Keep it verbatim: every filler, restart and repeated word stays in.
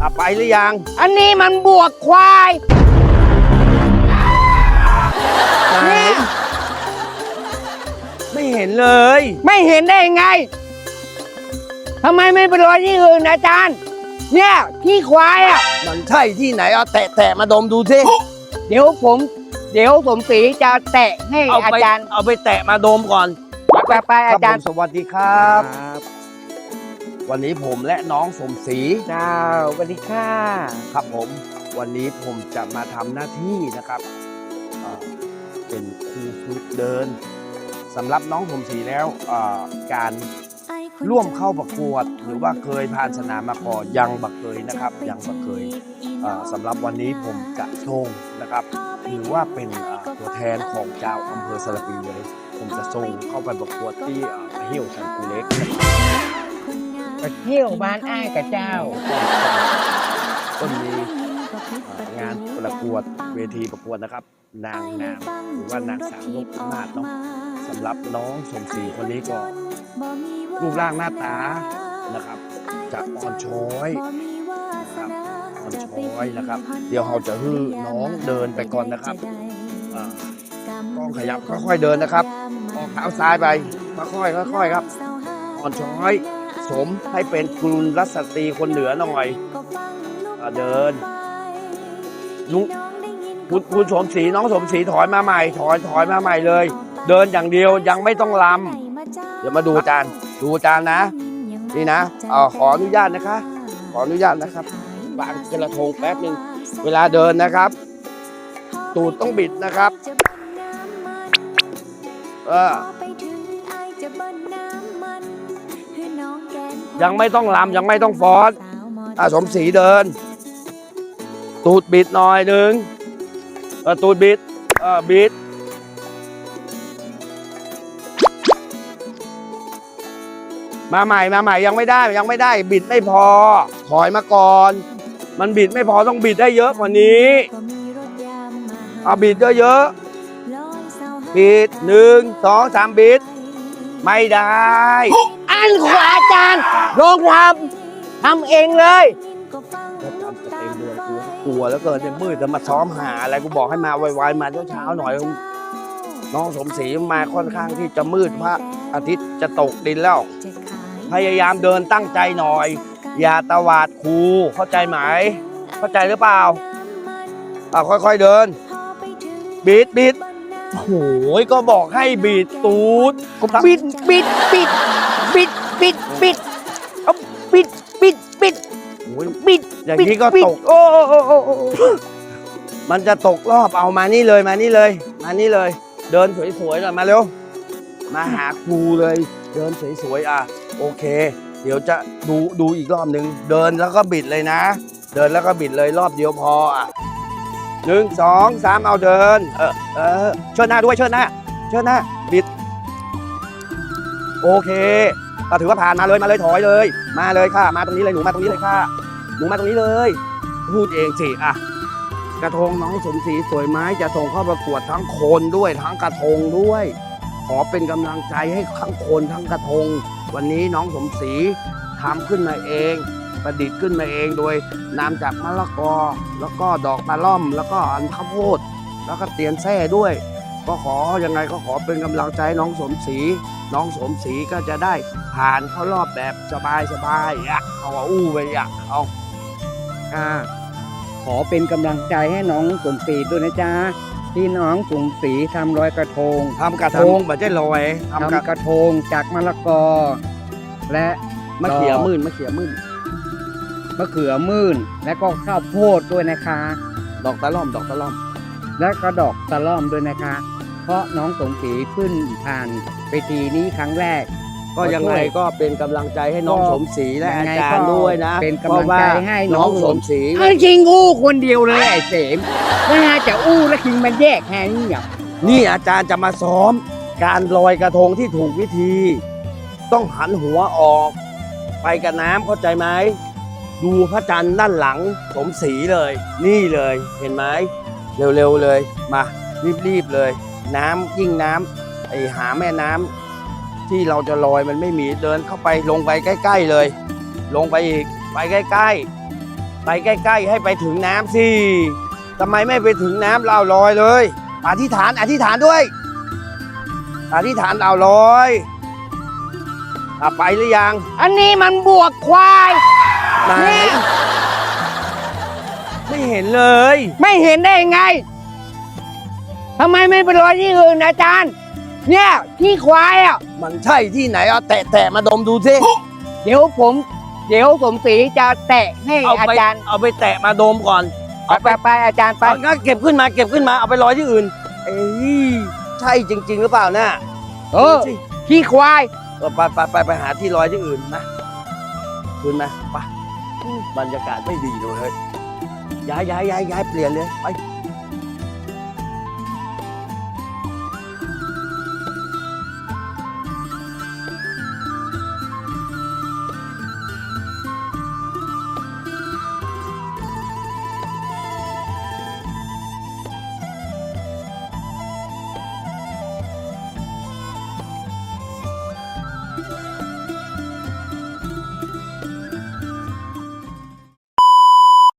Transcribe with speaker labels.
Speaker 1: อ่ะไปหรือยัง
Speaker 2: อันนี้มันบวกควายเนี่ย
Speaker 1: ไม่เห็นเลย
Speaker 2: ไม่เห็นได้ไงทำไมไม่ไปรอที่อื่นอาจารย์เนี่ยที่ควายอ่ะ
Speaker 1: มันใช่ที่ไหนเอาแตะแตะมาดมดูสิ
Speaker 2: เดี๋ยวผม เดี๋ยวสมศรีจะแตะให้
Speaker 1: เอา
Speaker 2: อา
Speaker 1: ไป
Speaker 2: จารย์
Speaker 1: เอาไปแตะมาดมก่อน
Speaker 2: ไปไปอาจารย์
Speaker 1: คบผมสวัสดีครับ วันนี้ผมและน้องสมศรี
Speaker 2: เจ้าสวัสดีค่ะ
Speaker 1: ครับผมวันนี้ผมจะมาทำหน้าที่นะครับเอ่อเป็นครูฝึกเดินสำหรับน้องสมศรีแล้วเอ่อการร่วมเข้าประกวด หรือว่าเคยผ่านสนามมาก่อนยังบักเคยนะครับยังบักเคยเอ่อสำหรับวันนี้ผมจะส่งนะครับถือว่าเป็นเอ่อตัวแทนของเจ้าอำเภอสระปีเลย ผมจะส่งเข้าไปประกวดที่เอ่อเฮี่ยวชันกูเล็ก
Speaker 2: ไปเที่ยวบ้านอ้ายกับเจ้า
Speaker 1: ก็มีงานประกวดเวทีประกวดนะครับ นางงามหรือว่านางสาวนพมาศเนาะสำหรับน้องสมศรีคนนี้ก็รูปร่างหน้าตานะครับจะอ่อนช้อยนะครับอ่อนช้อยนะครับ เดี๋ยวเราจะฮื้อน้องเดินไปก่อนนะครับอ่ากล้องขยับค่อยๆเดินนะครับออกเท้าซ้ายไปค่อยๆค่อยๆครับอ่อนช้อยสมให้เป็นกุลรัศตรีคนเหนือหน่อยอ่าเดินลุงคุณคุณสมศรีน้องสมศรีถอยมาใหม่ถอยถอยมาใหม่เลย เดินอย่างเดียวยังไม่ต้องลำเดี๋ยวมาดูอาจารย์ดูอาจารย์นะนี่นะเอ่อขออนุญาตนะคะ ขออนุญาตนะครับวางกระทงแป๊บนึงเวลาเดินนะครับ ตูดต้องบิดนะครับเออยังไม่ต้องลำยังไม่ต้องฟ้อนอ่ะสมศรีเดิน ตูดบิดหน่อยหนึ่งเออตูดบิดเออบิดมาใหม่มาใหม่ยังไม่ได้ยังไม่ได้บิดไม่พอถอยมาก่อนมันบิดไม่พอต้องบิดได้เยอะกว่านี้เอาบิดเยอะๆบิดหนึ่งสองสามบิดไม่ได้
Speaker 2: อันขวาอาจารย์ลองทำทำเองเลย
Speaker 1: แล้วจำจะเต็มเดือนกูกลัวแล้วเกินเนี่ยมืดจะมาซ้อมหาอะไรกูบอกให้มาไวๆมาเช้าๆหน่อยน้องสมศรีมาค่อนข้างที่จะมืดพระอาทิตย์จะตกดินแล้วพยายามเดินตั้งใจหน่อยอย่าตวาดครูเข้าใจไหมเข้าใจหรือเปล่าอ่าค่อยๆเดินบิดบิดโอ้ยก็บอกให้บิดตูด
Speaker 2: ปิดปิดปิดปิดปิดปิดเอาปิดปิดปิด
Speaker 1: โอ้ย
Speaker 2: ปิด
Speaker 1: อย่างนี้ก็ตก
Speaker 2: โอ้โอ้โอ้โอ้โอ้
Speaker 1: มันจะตกรอบเอามานี่เลยมานี่เลยมานี่เลย เดินสวยๆหน่อยมาเร็วมาหาครูเลย เดินสวยๆอ่ะโอเค เดี๋ยวจะดูดูอีกรอบหนึ่งเดินแล้วก็บิดเลยนะ เดินแล้วก็บิดเลยรอบเดียวพออ่ะหนึ่งสองสามเอาเดินเออเออเชิดหน้าด้วยเชิดหน้าเชิดหน้าบิดโอเคก็ถือว่าผ่านมาเลยมาเลยถอยเลย มาเลยค่ะมาตรงนี้เลยหนูมาตรงนี้เลยค่ะหนูมาตรงนี้เลยพูดเองสิอ่ะกระทงน้องสมศรีสวยไม้จะส่งเข้าประกวดทั้งคนด้วยทั้งกระทงด้วย ขอเป็นกำลังใจให้ทั้งคนทั้งกระทงวันนี้น้องสมศรีทำขึ้นมาเองประดิษฐ์ขึ้นมาเองโดยนำจากมะละกอแล้วก็ดอกตะล่อมแล้วก็อันข้าวโพดแล้วก็เตียนแส้ด้วย ก็ขอยังไงก็ขอเป็นกำลังใจน้องสมศรีน้องสมศรีก็จะได้ผ่านเข้ารอบแบบสบายสบายอ่ะเอาอู้ไปอ่ะเอา
Speaker 2: ค่ะขอเป็นกำลังใจให้น้องสมศรีด้วยนะจ๊ะที่น้องสมศรีทำลอยกระทง
Speaker 1: ทำกระทงแบบได้ลอยทำกระ
Speaker 2: ทำกระทงจากมะละกอ และ
Speaker 1: มะเขือมื่นมะเขือมื่น
Speaker 2: มะเขือมื่นและก็ข้าวโพดด้วยนะคะ
Speaker 1: ดอกตะล่อมดอกตะล่อม
Speaker 2: และก็ดอกตะล่อมด้วยนะคะ เพราะน้องสมศรีขึ้นผ่านเวทีนี้ครั้งแรก
Speaker 1: ก็ยังไงก็เป็นกำลังใจให้น้อง
Speaker 2: ก็
Speaker 1: สมศรีและ
Speaker 2: ยั
Speaker 1: อาง
Speaker 2: ไง
Speaker 1: จารย์
Speaker 2: ก็
Speaker 1: ด้วยนะ
Speaker 2: เป็นกำลังใจให้น้
Speaker 1: น้
Speaker 2: อ
Speaker 1: อง งสมศรี
Speaker 2: ไอ้คิงอู้คนเดียวเลยไอ้เสมไม่น่าจะอู้แล้วคิงมันแยกแค่นี้อ่ะ
Speaker 1: นี่อาจารย์จะมาซ้อมการลอยกระทงที่ถูกวิธี ต้องหันหัวออก ไปกับน้ำเข้าใจไหมดูพระจันทร์ด้านหลังสมศรีเลย นี่เลยเห็นไหมเร็วๆเลยมารีบๆเลย น้ำยิ่งน้ำไอหาแม่น้ำที่เราจะลอยมันไม่มีเดินเข้าไปลงไปใกล้ๆเลย ลงไปอีกไปใกล้ๆไปใกล้ๆให้ไปถึงน้ำสิทำไมไม่ไปถึงน้ำเราลอยเลยอธิษฐานอธิษฐานด้วยอธิษฐานเราลอยอ่ะไปหรือยัง
Speaker 2: อันนี้มันบวกควาย
Speaker 1: ไหน
Speaker 2: เนี่ย
Speaker 1: ไม่เห็นเลย
Speaker 2: ไม่เห็นได้ยังไงทำไมไม่ไปลอยที่อื่นอาจารย์ เนี่ยที่ควายอ่ะ
Speaker 1: มันใช่ที่ไหนเอาแตะแตะมาดมดูสิ
Speaker 2: เดี๋ยวผม เดี๋ยวสมศรีจะแตะให้
Speaker 1: เอา
Speaker 2: อา
Speaker 1: ไป
Speaker 2: จารย์
Speaker 1: เอาไปแตะมาดมก่อน
Speaker 2: ไปไปไปอาจารย์ไป
Speaker 1: เอางั้นเก็บขึ้นมาเก็บขึ้นมาเอาไปลอยที่อื่น เอ้ยใช่จริง ๆ หรือเปล่าน่ะ
Speaker 2: เออ
Speaker 1: ดูสิ
Speaker 2: ที่ควาย
Speaker 1: เออไปไปไปไปหาที่ลอยที่อื่นนะขึ้นมาไปบรรยากาศไม่ดีเลยเฮ้ยย้ายย้ายย้ายย้ายเปลี่ยนเลยไป